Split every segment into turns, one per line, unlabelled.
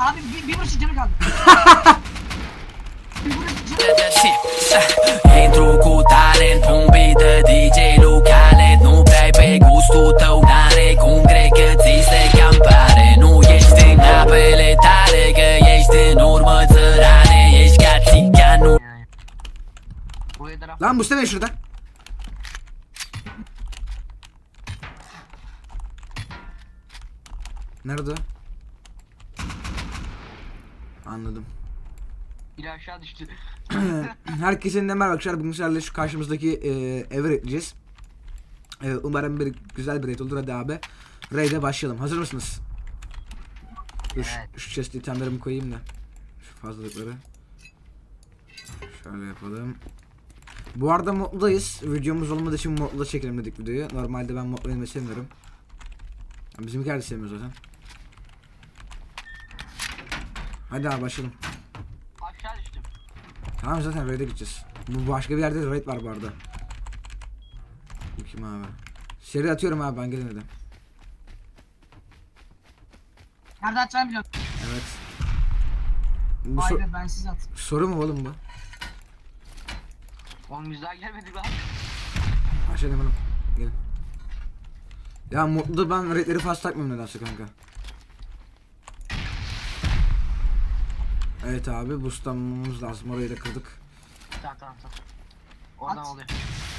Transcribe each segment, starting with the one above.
Abi bir vuruş canı kaldı. Bir vuruş canı.
Entro com o talento, beat de DJ locale. No play gusto tão dare, com grec ziste campare. Nu ești apele tale, că ești în urmă țărane. Ești ca țiganul.
Lan Mustafa Bey şurada. Nerede? Anladım.
Biri aşağı düştü.
Herkese merhaba arkadaşlar. Bugün sizlerle şu karşımızdaki evi raidleyeceğiz. Umarım güzel bir raid olur. Hadi abi. Raid'e başlayalım. Hazır mısınız? Dur,
Evet.
şu chest itemlerimi koyayım da. Şu fazlalıkları. Şöyle yapalım. Bu arada moddayız. Videomuz olmadığı için modda çekelim dedik videoyu. Normalde ben modda oynamayı sevmiyorum. Bizimkiler de sevmiyor zaten. Hadi abi başlayalım.
Aşağı düştüm.
Tamam zaten raid'e gideceğiz. Bu başka bir yerde de raid var bu arada. Bu kim abi? Seri atıyorum abi, ben gelin dedim.
Nerede atacağımı biliyorum.
Evet. Bu
Vay be, ben siz at.
soru mu oğlum bu?
Oğlum güzel gelmedi lan.
Başlayalım oğlum. Gelin. Ya mutlu, ben raidleri fazla takmıyorum nedense kanka. Evet abi, boostlamamız lazım, orayı da kırdık.
Tamam. Oradan
At.
oluyor.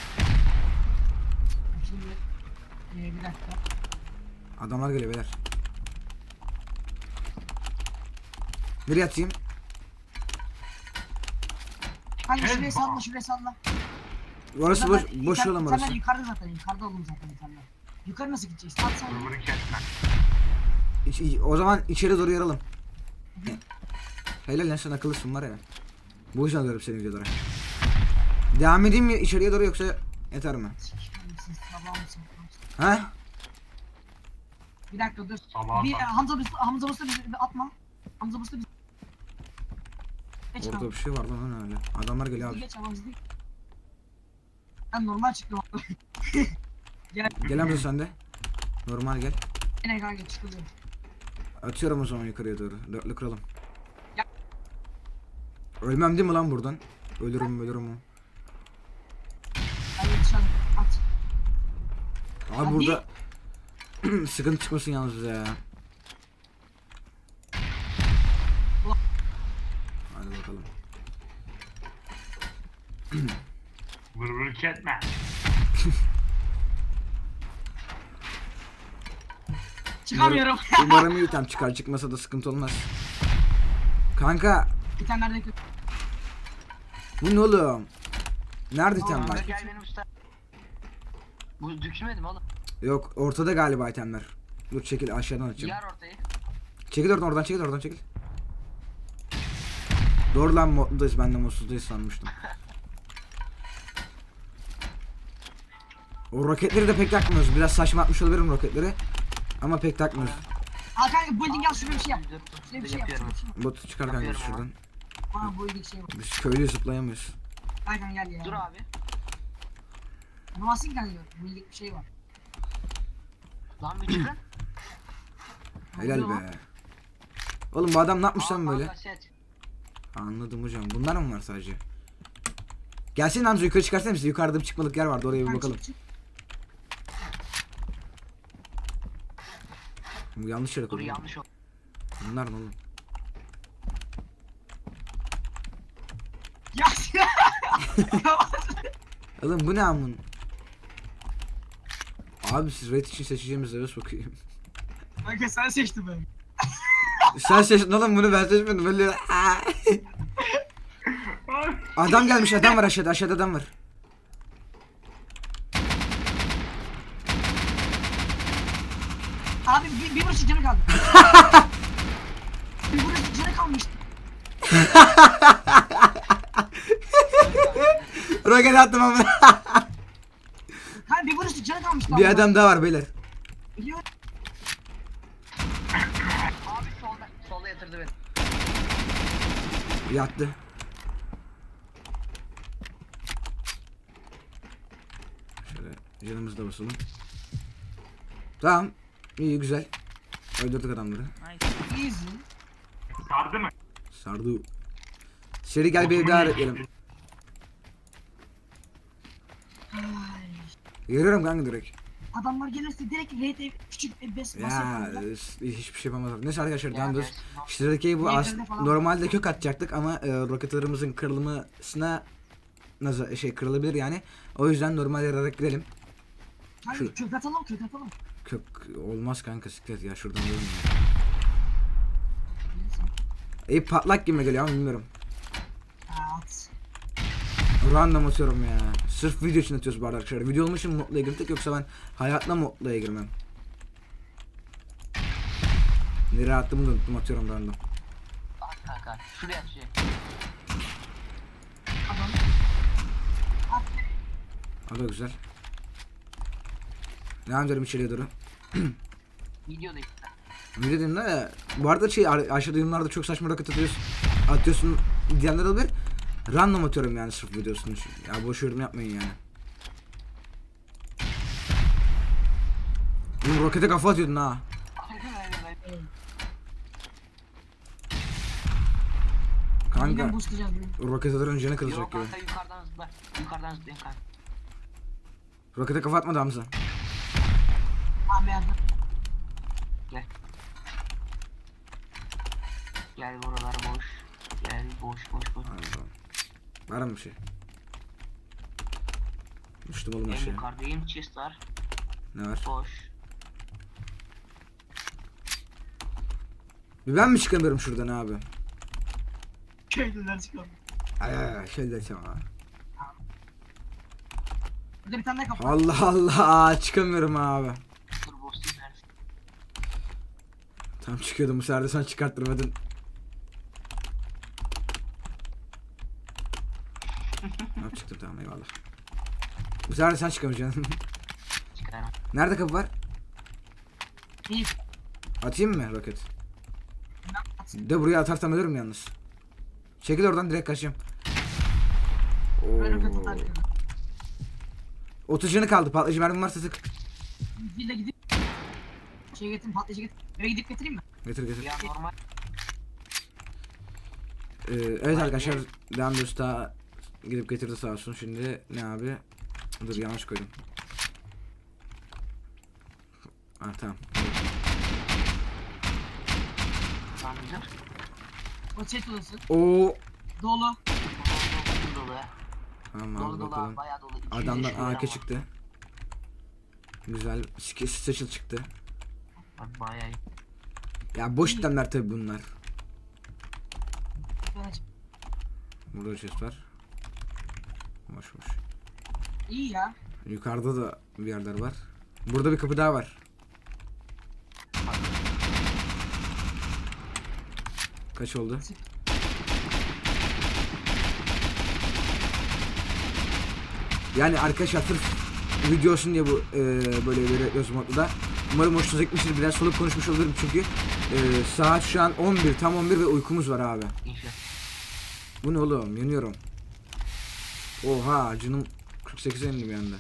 Şimdi bir dakika.
Adamlar geliyor beyler. Nereye atayım?
Kanka şuraya salla.
Orası boş yol ama orası.
İnterler yukarıda zaten, yukarıda oğlum zaten interler. Yukarı nasıl gideceğiz? At sen.
O zaman içeri doğru yaralım. Helal lan, sen akıllısın var ya. Bu yüzden alıyorum seni videolara. Devam edeyim mi içeriye doğru yoksa yeter mi?
Siz sabah mısın?
Ha?
Bir dakika dur.
Sabah
Bir
bak.
Hamza Busta bizi atma. Hamza Busta bizi. Geç
Orada
abi.
bir şey var lan öyle. Adamlar geliyor abi.
Geç Hamza değil. Ben normal çıktım abi.
Gel Hamza sen de. Normal gel.
Yine kanka çıkılıyor.
Atıyorum o zaman yukarıya doğru. Dörtlü kıralım.
Ya.
Ölmem değil mi lan buradan? Ölürüm o.
Ben yetişelim. At.
Abi
Hadi.
burada sıkıntı çıkmasın yalnız bize ya. Hadi bakalım.
Vır etme.
Çıkamıyorum.
Umarım iyi tam çıkar, çıkmasa da sıkıntı olmaz. Kanka
Bir tane nerede kötü.
bu ne oğlum? Nerede item
Aa,
var?
Gel benim usta. Bu düşmedi mi oğlum?
Yok, ortada galiba itemler. Dur çekil, aşağıdan açacağım.
Yar ortayı.
Çekil oradan çekil. Doğru lan, moddayız, ben de modsuzdayız sanmıştım. O roketleri de pek takmıyoruz. Biraz saçma atmış olabilirim roketleri. Ama pek takmıyoruz.
Al kanka building al, şuraya bir şey yap. Şuraya bir şey yap.
Yapıyorum.
Botu çıkar kanka
Yapıyorum
şuradan.
Bana building şey var.
Biz köylü zıplayamıyoruz.
Aynen gel ya.
Dur abi.
Anlamasın kanka. Building bir şey var.
Lan bir çıkın.
Helal
oluyor
be. Oğlum bu adam ne yapmış lan
Aa,
böyle?
fazla set.
Anladım hocam. Bunlar mı var sadece? Gelsin Hamza, yukarı çıkarsana bizi. Yukarıda bir çıkmalık yer vardı, oraya bir
Kanka
bakalım.
çık.
Bu yanlış yere
Dur
koydum.
yanlış oldu.
Bunlar ne oğlum?
Ya.
Oğlum bu ne amın? Abi siz raid için seçeceğimiz eve sokayım.
Kanka sen seçtin beni.
Sen seçtin oğlum bunu, ben seçmedim. Böyle adam gelmiş, adam var aşağıda adam var.
Abi bir vuruş canı kaldı. Bir vuruş canı kalmıştı.
Roket attım ama.
Kanka bir vuruş canı kalmıştı.
Bir adam daha var beyler.
Biliyorum.
Abi solda yatırdı beni.
Yattı. Şöyle canımızı da basalım. Tamam. İyi güzel. Öldürdük adamları.
Easy.
Sardı mı?
Sardı. Seri gel bir daha ekleyelim.
Ay.
Yürüyorum kanka direkt.
Adamlar gelirse direkt raid küçük bes
Ya hiçbir şey yapamazlar. Neyse arkadaşlar
Ya
devam ediyoruz.
gelsin.
İşte bu
Evlerinde falan
normalde kök atacaktık ama roketlerimizin kırılmasına kırılabilir yani. O yüzden normal yararak girelim.
Hayır
Şu-
kök atalım kök atalım.
Kök olmaz kanka, siklet ya, şuradan alalım ya. Patlak gibi geliyor ama bilmiyorum.
At.
Random atıyorum ya. Sırf video için atıyoruz bu arada arkadaşlar. Video olmuş için modluya girdik, yoksa ben hayatla modluya girmem. Nereye attığımı da unuttum, atıyorum random.
Bak kanka. Şuraya at şuraya.
Adam. At.
O da güzel. Devam edelim içeriye doğru.
Videoda işte.
Video dedim de bu arada aşağıda yorumlarda çok saçma roket atıyorsun diyenler olabilir. Random atıyorum yani sırf videosunu için. Ya boş yorum yapmayın yani. Oğlum rokete kafa atıyordun ha.
Yine
Kanka
boostlayacağız bunu.
roket atarın canı kırılacak
Yok
gibi.
kanka yukarıdan zıpla. Yukarıdan zıplayın kanka.
Rokete kafa atmadı Hamza.
Abi yardım.
Gel. Gel buralar boş. Gel boş boş boş.
Hadi bakalım. Var mı bir şey? Düştüm oğlum
En
aşağıya.
yukarıdayım. Chest var.
Ne var?
Boş.
Bir ben mi çıkamıyorum şuradan abi?
Köylüler çıkalım.
Ay şey desem ha.
Burada bir tane daha kapı.
Allah Allah, çıkamıyorum abi.
Dur boss'um nerede?
Tam çıkıyordum, bu sefer de sen çıkarttırmadın. Hop çıktım, tamam eyvallah. Bu sefer de sen çıkamayacaksın.
Çıkarım.
Nerede kapı var?
İyi.
Atayım mı roket? De buraya atarsam ölürüm yalnız. Çekil oradan, direkt kaçayım.
Ben roket
Oo.
atarım.
30 canı kaldı, patlayıcı mermim varsa sık.
Zille gidip şey getireyim, patlayıcı getir. Eve gidip getireyim mi?
Getir getir.
Ya normal.
Evet arkadaşlar, devam ediyoruz, daha gidip getirdi sağ olsun. Şimdi ne abi? Dur yanlış koydum. Ah tamam.
Tamam güzel.
O chat odası.
Oo.
Dolu.
Dolu dolu ya.
Tamam
Dolu
abi
dolu
bakalım.
abi bayağı dolu. 200
Adamdan
yaşında
AK
adam
çıktı. Güzel. Special çıktı.
var. Bak bayağı iyi.
Ya boş itemler tabi bunlar.
Ben aç-
Burada chest var. Boş boş.
İyi ya.
Yukarıda da bir yerler var. Burada bir kapı daha var. Kaç oldu? Yani arkadaşlar sırf video olsun diye bu böyle bir modda da. Umarım hoşunuza gitmiştir. Biraz soluk konuşmuş olurum çünkü saat şu an 11, tam 11 ve uykumuz var abi.
İnşallah.
Bu ne oğlum? Yanıyorum. Oha, canım 48'e indi bir anda.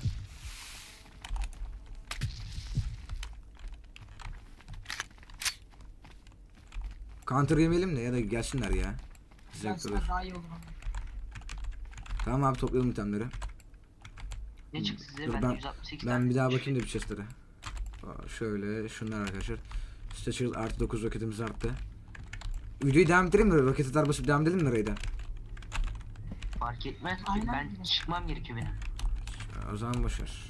Counter yemeyelim de ya da gelsinler ya. Zevk
Gerçekten
alır.
daha iyi olur ama.
Tamam abi, toplayalım itemleri.
Ne çıktı size?
Dur,
Ben
ben-
168
Ben bir daha bakayım da bir chestlere. Şöyle şunlar arkadaşlar. Satchel artı 9 roketimiz arttı. Videoyu devam ettireyim mi? Roket atar basıp devam edelim mi Ray'da?
Fark etmez.
Aynen.
Ben çıkmam gerekiyor benim.
O zaman boşver.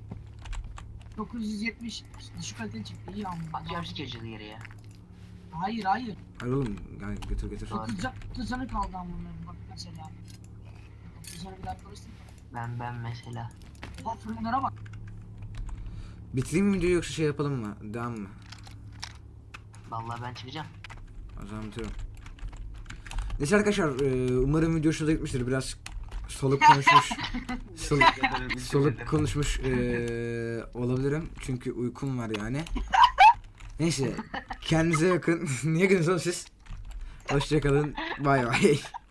970 düşük kaliteli çıktı. İyi ama.
Atıyorum skecili yere ya.
Hayır hayır.
Hayır oğlum, gel getir getir.
Tamam.
9 canı kaldı ama bunların bak mesela. 9 canı bir daha korusun.
Ben mesela.
Bak fırınlara bak.
Bitireyim mi videoyu yoksa şey yapalım mı? Devam mı?
Vallahi ben çıkacağım.
O zaman bitiriyorum. Neyse arkadaşlar, umarım video hoşunuza gitmiştir. Biraz soluk konuşmuş. Soluk konuşmuş olabilirim. Çünkü uykum var yani. Neyse, kendinize bakın. Niye gülüyorsunuz siz? Hoşçakalın. Bay bay.